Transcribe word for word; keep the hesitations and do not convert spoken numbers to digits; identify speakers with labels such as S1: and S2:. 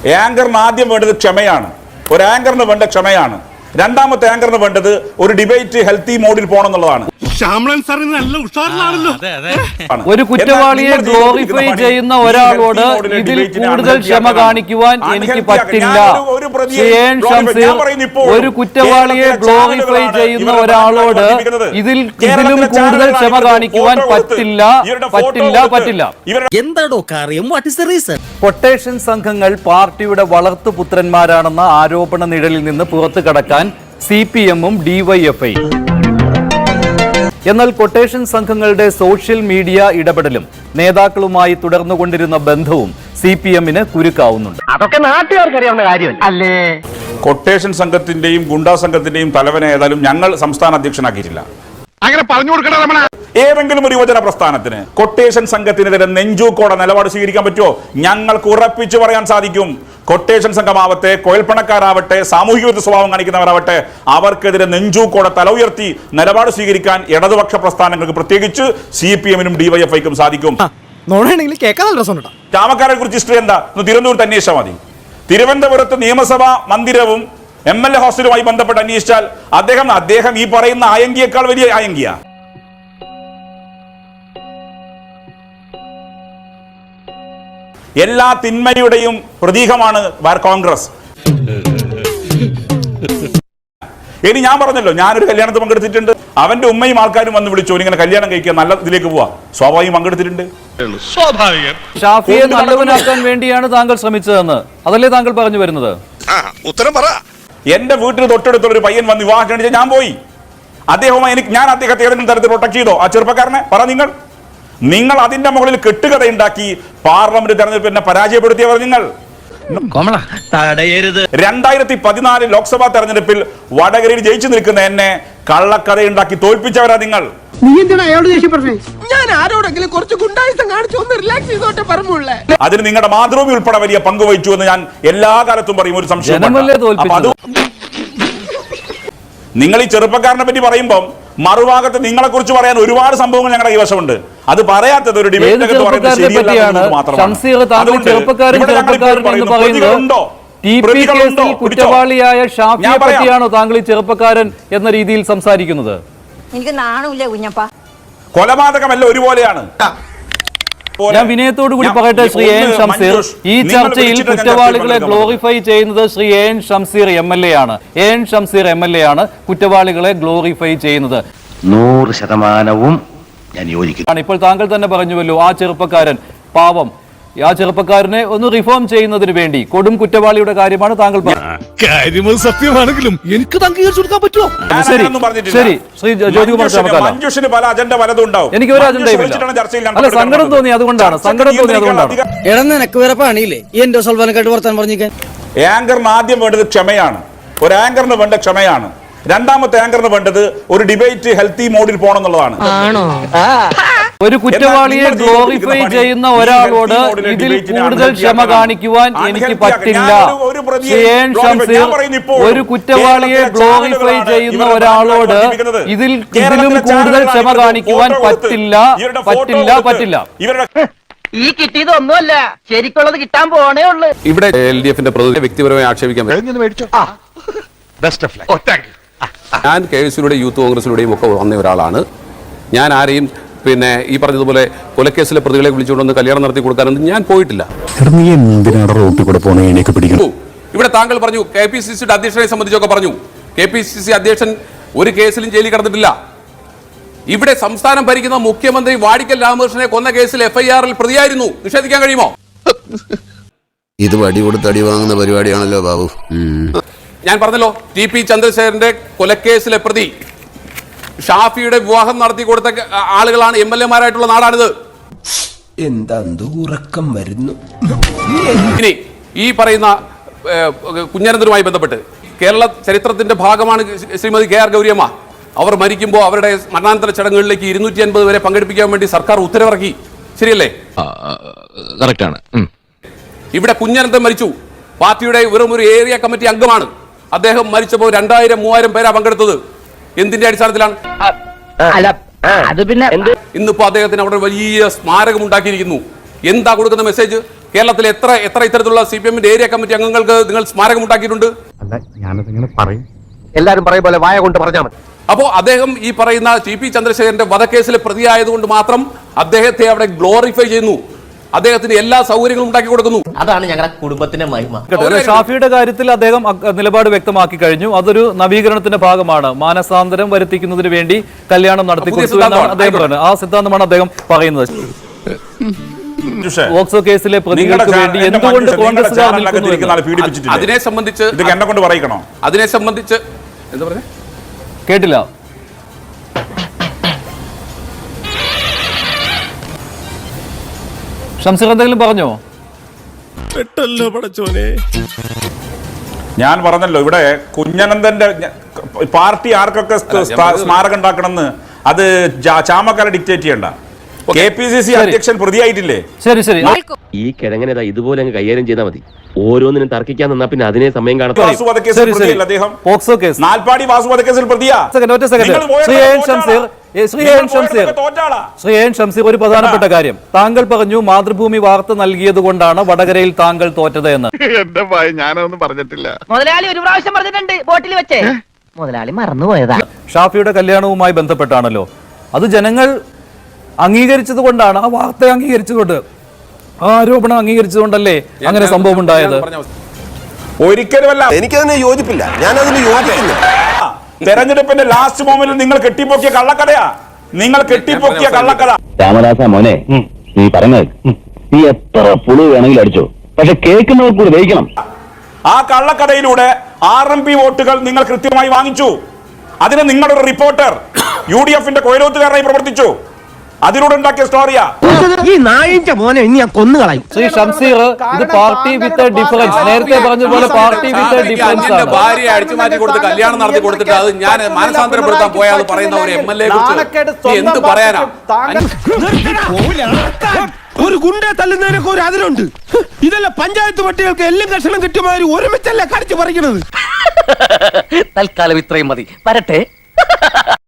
S1: ആങ്കറിന് ആദ്യം വേണ്ടത് ക്ഷമയാണ്. ഒരു ആങ്കറിന് വേണ്ട ക്ഷമയാണ്. രണ്ടാമത്തെ ആങ്കറിന് വേണ്ടത് ഒരു ഡിബേറ്റ് ഹെൽത്തി മോഡിൽ പോകണം എന്നുള്ളതാണ്.
S2: ഒരു കുറ്റവാളിയെ ഗ്ലോറിഫൈ ചെയ്യുന്ന ഒരാളോട് ഇതിൽ കൂടുതൽ ക്ഷമ കാണിക്കുവാൻ എനിക്ക് പറ്റില്ല. ഒരു കുറ്റവാളിയെ ഗ്ലോറിഫൈ ചെയ്യുന്ന ഒരാളോട് ഇതിൽ ഇതിലും കൂടുതൽ ക്ഷമ കാണിക്കുവാൻ പറ്റില്ല പറ്റില്ല പറ്റില്ല
S3: എന്താടോ കാര്യം? What is the reason?
S2: Quotation സംഘങ്ങൾ പാർട്ടിയുടെ വളർത്തുപുത്രന്മാരാണെന്ന ആരോപണ നിഴലിൽ നിന്ന് പുറത്തു കടക്കാൻ സി പി എമ്മും ഡിവൈഎഫ്ഐ. എന്നാൽ കൊട്ടേഷൻ സംഘങ്ങളുടെ സോഷ്യൽ മീഡിയ ഇടപെടലും നേതാക്കളുമായി തുടർന്നുകൊണ്ടിരുന്ന ബന്ധവും സി പി എമ്മിന് കുരുക്കാവുന്നുണ്ട്.
S4: അതൊക്കെ നാട്ടുകാർക്കറിയാവുന്ന കാര്യം അല്ലേ?
S1: കൊട്ടേഷൻ സംഘത്തിന്റെയും ഗുണ്ടാ സംഘത്തിന്റെയും തലവനെ ഏതായാലും ഞങ്ങൾ സംസ്ഥാന അധ്യക്ഷനാക്കിയിട്ടില്ല.
S5: അങ്ങനെ പറഞ്ഞു കൊടുക്കണ രമണ.
S1: ഏതെങ്കിലും ഒരു യുവജന പ്രസ്ഥാനത്തിന് കൊട്ടേഷൻ സംഘത്തിനെതിരെ നെഞ്ചൂക്കോടെ നിലപാട് സ്വീകരിക്കാൻ പറ്റുമോ? ഞങ്ങൾക്ക് ഉറപ്പിച്ചു പറയാൻ സാധിക്കും. കൊട്ടേഷൻ സംഘമാവട്ടെ, കോയൽപ്പണക്കാരാവട്ടെ, സാമൂഹിക വിരുദ്ധ സ്വഭാവം കാണിക്കുന്നവരാവട്ടെ, അവർക്കെതിരെ നെഞ്ചൂക്കോടെ തല ഉയർത്തി നിലപാട് സ്വീകരിക്കാൻ ഇടതുപക്ഷ പ്രസ്ഥാനങ്ങൾക്ക്, പ്രത്യേകിച്ച് സി പി എമ്മിനും ഡിവൈഎഫ്ഐക്കും സാധിക്കും. ചാമക്കാരെ കുറിച്ച് ഹിസ്റ്ററി എന്താ? തിരുവനന്തപുരത്ത് അന്വേഷിച്ചാൽ മതി. തിരുവനന്തപുരത്ത് നിയമസഭാ മന്ദിരവും എം എൽ എ ഹോസ്റ്റലുമായി ബന്ധപ്പെട്ട് അന്വേഷിച്ചാൽ അദ്ദേഹം അദ്ദേഹം ഈ പറയുന്ന ആയങ്കിയേക്കാൾ വലിയ ആയങ്കിയ. എല്ലാ തിന്മയുടെയും പ്രതീകമാണ് കോൺഗ്രസ്. ഇനി ഞാൻ പറഞ്ഞല്ലോ, ഞാനൊരു കല്യാണത്തിൽ പങ്കെടുത്തിട്ടുണ്ട്. അവന്റെ ഉമ്മയും ആൾക്കാരും വന്ന് വിളിച്ചു, ഇങ്ങനെ കല്യാണം കഴിക്കാൻ നല്ല ഇതിലേക്ക് പോവാ. സ്വാഭാവികം പങ്കെടുത്തിട്ടുണ്ട്.
S2: ഷാഫിയെ നല്ലവനാക്കാൻ വേണ്ടിയാണ് താങ്കൾ ശ്രമിച്ചതെന്ന് അതല്ലേ താങ്കൾ പറഞ്ഞു വരുന്നത്?
S5: ഉത്തരം പറ.
S1: എന്റെ വീട്ടിൽ തൊട്ടടുത്തുള്ള ഒരു പയ്യൻ വന്ന് വിവാഹം കഴിച്ചാൽ ഞാൻ പോയി. അദ്ദേഹവുമായി എനിക്ക് ഞാൻ അദ്ദേഹത്തെ ഏതെങ്കിലും തരത്തിൽ പ്രൊട്ടക്ട് ചെയ്തോ? ആ ചെറുപ്പക്കാരനെ പറ. നിങ്ങൾ നിങ്ങൾ അതിന്റെ മുകളിൽ കെട്ടുകഥ ഉണ്ടാക്കി പാർലമെന്റ് തെരഞ്ഞെടുപ്പിനെ പരാജയപ്പെടുത്തിയവർ നിങ്ങൾ. രണ്ടായിരത്തി പതിനാല് ലോക്സഭാ തെരഞ്ഞെടുപ്പിൽ വടകരയിൽ ജയിച്ചു നിൽക്കുന്ന എന്നെ കള്ളക്കഥയുണ്ടാക്കി തോൽപ്പിച്ചവരാ നിങ്ങൾ. അതിന് നിങ്ങളുടെ മാതൃഭൂമി ഉൾപ്പെടെ വലിയ പങ്കുവഹിച്ചു എന്ന് ഞാൻ എല്ലാ കാലത്തും പറയും. ഒരു സംശയം, നിങ്ങൾ ഈ ചെറുപ്പക്കാരനെ പറ്റി പറയുമ്പോൾ മറുഭാഗത്ത് നിങ്ങളെ കുറിച്ച് പറയാൻ ഒരുപാട് സംഭവങ്ങൾ ഞങ്ങളുടെ കൈവശമുണ്ട്. അത് പറയാത്തത് ഒരു ഡിബേറ്റ്
S2: കുറ്റവാളിയായ ഷാഫിയെ പറ്റിയാണോ താങ്കൾ ഈ ചെറുപ്പക്കാരൻ എന്ന രീതിയിൽ സംസാരിക്കുന്നത്?
S6: എനിക്ക് നാണമില്ല കുഞ്ഞപ്പ.
S1: കൊലപാതകമല്ല ഒരുപോലെയാണ്.
S2: ഞാൻ വിനയത്തോടു കൂടി പറയട്ടെ ശ്രീ എ എൻ ഷംസീർ, ഈ ചർച്ചയിൽ കുറ്റവാളികളെ ഗ്ലോറിഫൈ ചെയ്യുന്നത് Shri A N Shamseer M L A ആണ്. A N Shamseer M L A ആണ് കുറ്റവാളികളെ ഗ്ലോറിഫൈ ചെയ്യുന്നത്.
S4: നൂറ് ശതമാനവും ഞാൻ യോജിക്കുന്നു.
S2: ഇപ്പോൾ താങ്കൾ തന്നെ പറഞ്ഞുവല്ലോ, ആ ചെറുപ്പക്കാരൻ പാവം, ആ ചെറുപ്പക്കാരനെ ഒന്ന് റിഫോം ചെയ്യുന്നതിന് വേണ്ടി കൊടും കുറ്റവാളിയുടെ കാര്യമാണ് താങ്കൾ പറഞ്ഞത്.
S5: സത്യമാണെങ്കിലും എനിക്ക് അംഗീകരിച്ചു കൊടുക്കാൻ പറ്റുമോ?
S2: ശരി ശരി ശ്രീ ജ്യോതികുമാർ ചാമക്കാല, എനിക്ക് ഒരു അജണ്ടയുമില്ല. അല്ല, സങ്കടം തോന്നി അതുകൊണ്ടാണ് സങ്കടം തോന്നി അതുകൊണ്ടാണ്
S3: എടക്ക് വേറെ പണിയില്ലേ ഈ എന്റെ സൽവാനക്കായിട്ട് വർത്താൻ പറഞ്ഞിരിക്കാൻ?
S1: ആങ്കറിന് ആദ്യം വേണ്ടത് ക്ഷമയാണ്. ഒരു ആങ്കറിന് വേണ്ട ക്ഷമയാണ്. രണ്ടാമത്തെ ആങ്കറിന് വേണ്ടത് ഒരു ഡിബേറ്റ് ഹെൽത്തി മോഡിൽ പോകണം എന്നുള്ളതാണ്.
S2: ഒരു കുറ്റവാളിയെ ഗ്ലോറിഫൈ ചെയ്യുന്ന ഒരാളോട് ഇതിൽ കൂടുതൽ ക്ഷമ കാണിക്കുവാൻ എനിക്ക് പറ്റില്ല. ഒരു കുറ്റവാളിയെ ഗ്ലോറിഫൈ ചെയ്യുന്ന ഒരാളോട് ഇതിൽ ഇതിലും കൂടുതൽ ക്ഷമ കാണിക്കുവാൻ പറ്റില്ല പറ്റില്ല പറ്റില്ല
S4: ഈ കിട്ടിയതൊന്നുമല്ല, ശരിക്കുള്ളത് കിട്ടാൻ പോണേ ഉള്ളു.
S7: ഇവിടെ എൽ ഡി എഫിന്റെ പ്രതിനിധി വ്യക്തിപരമായി ആക്ഷേപിക്കാൻ ഞാൻ കെ എസ് യുടെയും യൂത്ത് കോൺഗ്രസിലൂടെയും ഒക്കെ വന്ന ഒരാളാണ്. ഞാൻ ആരെയും പിന്നെ ഈ പറഞ്ഞതുപോലെ കൊലക്കേസിലെ പ്രതികളെ വിളിച്ചുകൊണ്ടൊന്ന് കല്യാണം നടത്തി കൊടുക്കാനൊന്നും ഞാൻ പോയിട്ടില്ല. ഇവിടെ താങ്കൾ പറഞ്ഞു കെ പി സി സിയുടെ അധ്യക്ഷനെ സംബന്ധിച്ചൊക്കെ പറഞ്ഞു. കെ പി സി സി അധ്യക്ഷൻ ഒരു കേസിലും ജയിലിൽ കടന്നിട്ടില്ല. ഇവിടെ സംസ്ഥാനം ഭരിക്കുന്ന മുഖ്യമന്ത്രി വാടിക്കൽ രാമകൃഷ്ണനെ കൊന്ന കേസിൽ എഫ് ഐ ആറിൽ പ്രതിയായിരുന്നു. നിഷേധിക്കാൻ കഴിയുമോ?
S8: ഇത് വടി കൊടുത്ത് അടി വാങ്ങുന്ന പരിപാടിയാണല്ലോ ബാബു.
S7: ഞാൻ പറഞ്ഞല്ലോ, ടി പി ചന്ദ്രശേഖരന്റെ കൊലക്കേസിലെ പ്രതി ഷാഫിയുടെ വിവാഹം നടത്തി കൊടുത്ത ആളുകളാണ് എം എൽ എമാരായിട്ടുള്ള നാടാണിത്.
S8: എന്താ ഉറക്കം വരുന്നു.
S7: ഇനി ഈ പറയുന്ന കുഞ്ഞനന്തനുമായി ബന്ധപ്പെട്ട് കേരള ചരിത്രത്തിന്റെ ഭാഗമാണ് ശ്രീമതി കെ ആർ ഗൗരിയമ്മ. അവർ മരിക്കുമ്പോൾ അവരുടെ മരണാനന്തര ചടങ്ങുകളിലേക്ക് ഇരുന്നൂറ്റി അൻപത് വരെ പങ്കെടുപ്പിക്കാൻ വേണ്ടി സർക്കാർ ഉത്തരവിറക്കി. ശരിയല്ലേ?
S9: കറക്റ്റാണ്.
S7: ഇവിടെ കുഞ്ഞനന്തൻ മരിച്ചു. പാർട്ടിയുടെ വെറും ഒരു ഏരിയ കമ്മിറ്റി അംഗമാണ്. അദ്ദേഹം മരിച്ചപ്പോൾ രണ്ടായിരം മൂവായിരം പേരാ പങ്കെടുത്തത്. എന്തിന്റെ അടിസ്ഥാനത്തിലാണ്? ഇന്നിപ്പോ അദ്ദേഹത്തിന് അവിടെ വലിയ സ്മാരകം ഉണ്ടാക്കിയിരിക്കുന്നു. എന്താ കൊടുക്കുന്ന മെസ്സേജ്? കേരളത്തിൽ എത്ര എത്ര ഇത്തരത്തിലുള്ള സി പി എമ്മിന്റെ ഏരിയ കമ്മിറ്റി അംഗങ്ങൾക്ക് നിങ്ങൾ സ്മാരകം ഉണ്ടാക്കിയിട്ടുണ്ട്?
S5: അല്ല ഞാനതിങ്ങനെ പറയും.
S4: എല്ലാരും പറയും പോലെ വായ കൊണ്ട് പറഞ്ഞാൽ മതി.
S7: അപ്പോൾ അദ്ദേഹം ഈ പറയുന്ന ടി പി ചന്ദ്രശേഖരന്റെ വധക്കേസിലെ പ്രതിയായതുകൊണ്ട് മാത്രം അദ്ദേഹത്തെ അവിടെ ഗ്ലോറിഫൈ ചെയ്യുന്നു, അദ്ദേഹത്തിന് എല്ലാ സൗകര്യങ്ങളും ഉണ്ടാക്കി കൊടുക്കുന്നു.
S4: അതാണ് ഞങ്ങളുടെ കുടുംബത്തിന്റെ മഹിമ.
S2: കേട്ടോ, ഷാഫിയുടെ കാര്യത്തിൽ അദ്ദേഹം അ- നിലപാട് വ്യക്തമാക്കി കഴിഞ്ഞു. അതൊരു നവീകരണത്തിന്റെ ഭാഗമാണ്. മാനസാന്തരം വരുത്തിക്കുന്നതിന് വേണ്ടി കല്യാണം നടത്തിക്കൊടുത്തു എന്നാണ് അദ്ദേഹം പറയുന്നത്. ആ സിദ്ധാന്തമാണ് അദ്ദേഹം പറയുന്നത്. പോക്സോ കേസിലെ പ്രതികൾക്ക് വേണ്ടി എന്തുകൊണ്ട് കോൺഗ്രസുകാർ നിൽക്കുന്നു എന്ന്
S7: അതിനെ സംബന്ധിച്ച്
S1: ഇത് എന്നെ കൊണ്ട് പറയിക്കണോ?
S7: അതിനെ സംബന്ധിച്ച് എന്താ പറഞ്ഞേ
S2: കേട്ടില്ല. ഷംസീർ എന്തെങ്കിലും പറഞ്ഞോ?
S5: പെട്ടല്ലോ പടച്ചോനെ.
S1: ഞാൻ പറഞ്ഞല്ലോ, ഇവിടെ കുഞ്ഞനന്ദന്റെ പാർട്ടി ആർക്കൊക്കെ സ്മാരകം ഉണ്ടാക്കണമെന്ന് അത് ചാമക്കാരെ ഡിക്റ്റേറ്റ് ചെയ്യണ്ട. കെ പി സി സി അധ്യക്ഷൻ പ്രതിയായിട്ടില്ലേ?
S2: ശരി ശരി
S9: ഈ കിഴങ്ങനെ ഇതുപോലെ അങ്ങ് കൈകാര്യം ചെയ്താൽ മതി. ഓരോന്നിനും തർക്കിക്കാൻ നിന്നാ പിന്നെ അതിനെ സമയം കാണാം.
S1: വാസു വധക്കേസിൽ
S2: ശരി, ശരി.
S1: പ്രതിയല്ല അദ്ദേഹം.
S2: പോക്സോ കേസ്
S1: നാൽപ്പാടി വാസു വധക്കേസിൽ പ്രതിയാ.
S2: സെക്കൻഡ്, ഒറ്റ സെക്കൻഡ്.
S1: നിങ്ങൾ പോയതൊക്കെ
S2: ശ്രീ എൻ
S1: തോറ്റാളാ.
S2: ഷംസീർ ഏ, ശ്രീ
S1: നിങ്ങൾ
S2: എൻ ഷംസീർ
S1: പോയതൊക്കെ തോറ്റാളാ.
S2: ശ്രീ എൻ ഷംസീർ ഒരു പ്രധാനപ്പെട്ട കാര്യം താങ്കൾ പറഞ്ഞു, മാതൃഭൂമി വാർത്ത നൽകിയത് കൊണ്ടാണ് വടകരയിൽ താങ്കൾ തോറ്റത് എന്ന്.
S5: എന്റെ ഭയ ഞാനൊന്നും പറഞ്ഞിട്ടില്ല.
S4: മുതലാളി ഒരു പ്രാവശ്യം പറഞ്ഞിട്ടുണ്ട് ബോട്ടിൽ വെച്ചേ. മുതലാളി മറന്നുപോയതാ.
S2: ഷാഫിയുടെ കല്യാണവുമായി ബന്ധപ്പെട്ടാണല്ലോ. അത് ജനങ്ങൾ അംഗീകരിച്ചത് കൊണ്ടാണ്, ആ വാർത്ത അംഗീകരിച്ചുകൊണ്ട്, ആ ആരോപണം അംഗീകരിച്ചതുകൊണ്ടല്ലേ അങ്ങനെ സംഭവം ഉണ്ടായത്.
S1: ഒരിക്കലുമല്ല.
S8: എനിക്കതിനെ യോജിപ്പില്ല, ഞാൻ അതിന് യോജിപ്പില്ല.
S1: തെരഞ്ഞെടുപ്പിന്റെ ലാസ്റ്റ് മൊമെന്റിൽ നിങ്ങൾ കെട്ടിപ്പൊക്കിയ കള്ളക്കഥയാ, നിങ്ങൾ കെട്ടിപ്പൊക്കിയ കള്ളക്കഥ.
S9: രാമദാസ മോനെ, നീ പറഞ്ഞത് നീ എത്ര പുളു വേണമെങ്കിലും അടിച്ചോ, പക്ഷെ കേൾക്കുന്നവർ കൂടി ദഹിക്കണം.
S1: ആ കള്ളക്കഥയിലൂടെ ആർ എം പി വോട്ടുകൾ നിങ്ങൾ കൃത്യമായി വാങ്ങിച്ചു. അതിന് നിങ്ങളൊരു റിപ്പോർട്ടർ യു ഡി എഫിന്റെ കൊയിലോത്തുകാരനായി പ്രവർത്തിച്ചു. അതിലൂടെ ഉണ്ടാക്കിയ സ്റ്റോറിയാ.
S3: ഈ നായിന്റെ മോനെ ഇനി ഞാൻ കൊന്നുകളയും.
S2: ശ്രീ ഷംസീർ, ഇത് പാർട്ടി വിത്ത് ഡിഫറൻസ്, നേരത്തെ പറഞ്ഞതുപോലെ പാർട്ടി വിത്ത് ഡിഫറൻസ് ആണ്.
S7: ഭാര്യയെ അടിച്ചു മാറ്റി കൊടുത്ത് കല്യാണം നടത്തി കൊടുത്തിട്ട് അത് ഞാൻ മാനസാന്തരപ്പെടുത്താൻ പോയാൽ പറയുന്ന ഒരു എം എൽ എ കുറിച്ച് എന്ത് പറയാനാ?
S5: ഒരു ഗുണ്ടെ തല്ലുന്നതിനൊക്കെ ഒരു അതിലുണ്ട്. ഇതല്ല പഞ്ചായത്ത് പട്ടികൾക്ക് എല്ലാം കഷണം കിട്ടിയമാതിരി ഒരുമിച്ചല്ല കടിച്ചു പറിക്കണത്.
S4: തൽക്കാലം ഇത്രയും മതി. വരട്ടെ.